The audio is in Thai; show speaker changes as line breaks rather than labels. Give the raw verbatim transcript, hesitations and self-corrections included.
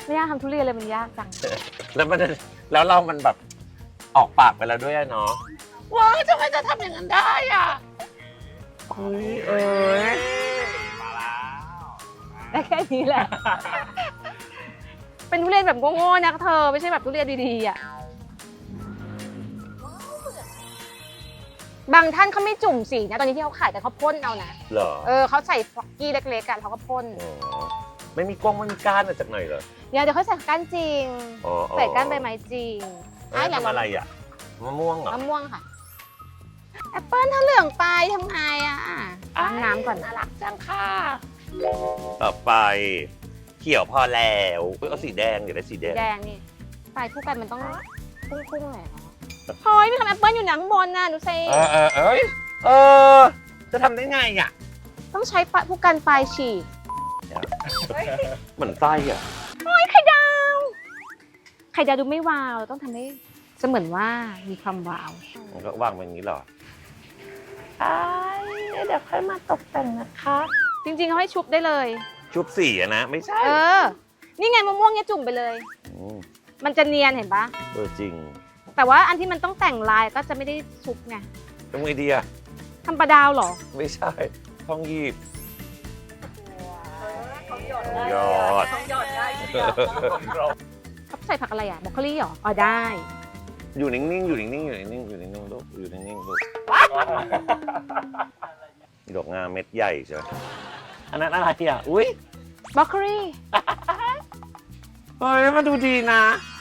ไม่ยากทำทุเรียนเลยมันยากจัง
แล้วมันแล้วเรามันแบบออกปากไปแล้วด้วยอะเนาะว้าวทำไมจะทำอย่างนั้นได้อ่ะเฮ้ยเอ้ย
มาแล้ว
ได้แค่นี้แหละ เป็นทุเรียนแบบโง่ๆนะเธอไม่ใช่แบบทุเรียนดีๆอ่ะบางท่านเขาไม่จุ่มสีนะตอนนี้ที่เขาขายแต่เขาพ่นเอานะ
เหรอ
เออเขาใส่ฟอกกี้เล็กๆกันเขาก็พ่น
อ๋อไม่มีกล้องไม่มีก้านมาจากไหนเหรอ
เดี๋ยวเดี๋ยวเขาใส่ก้านจริง
อ๋ออ๋อ
ใส่ก้านใบไม้จริง
เอ้ยทำอะไรอ่ะมะม่วงเหรอ
มะม่วงค่ะแอปเปิ้ลถ้าเหลืองไปทำไงอ่ะล้างน้ำก่อนน่ารักจังค่ะ
ต่อไปเขียวพอแล้วเอ้ยเอาสีแดงเดี๋ยวได้สีแดง
แดงนี่ปลายผู้กันมันต้องพุ่งๆหน่อยเนาะเฮ้ยมีทำแอปเปิ้ลอยู่หนังบนน่ะดูสิ
เออเออเอ้ยเออจะทำได้ไงอ่ะ
ต้องใช้ปลายผู้กันปลายฉีก
เหมือนไส้อ่ะ
โอ้ยไข่ดาวไข่ดาวดูไม่วาวเราต้องทำให้เสมือนว่ามีความวาว
มันก็วางไว้อย่างนี้เหรอใช่เดี๋ยวค่อยมาตกแต่งนะคะ
จริงๆเขาให้ชุบได้เลย
ชุบสีอะนะไม่ใช่
เออ นี่ไงมะม่วงเนี่ยจุ่มไปเลย
ม
มันจะเนียนเห็นปะ
เออจริง
แต่ว่าอันที่มันต้องแต่งลายก็จะไม่ได้ชุบไง
ทำไงดีอะ
ทำปลาดาวเหรอ
ไม่ใช่ท้องยีบ
เขาหยด
ยอด
เขาหยดได้เชียว
เขาใส่ผักอะไรอ่ะบรอกโคลี่เหรออ๋อได้
อยู่นิ่งๆอยู่นิ่งๆอยู่นิ่งๆอยู่นิ่งๆลูกอยู่นิ่งๆลูกดอกงาเม็ดใหญ่ใช่ไหมอันนั้นอะไรอ่ะอุ้ย
บรอกโคลี่
เฮ้ยมันดูดีนะ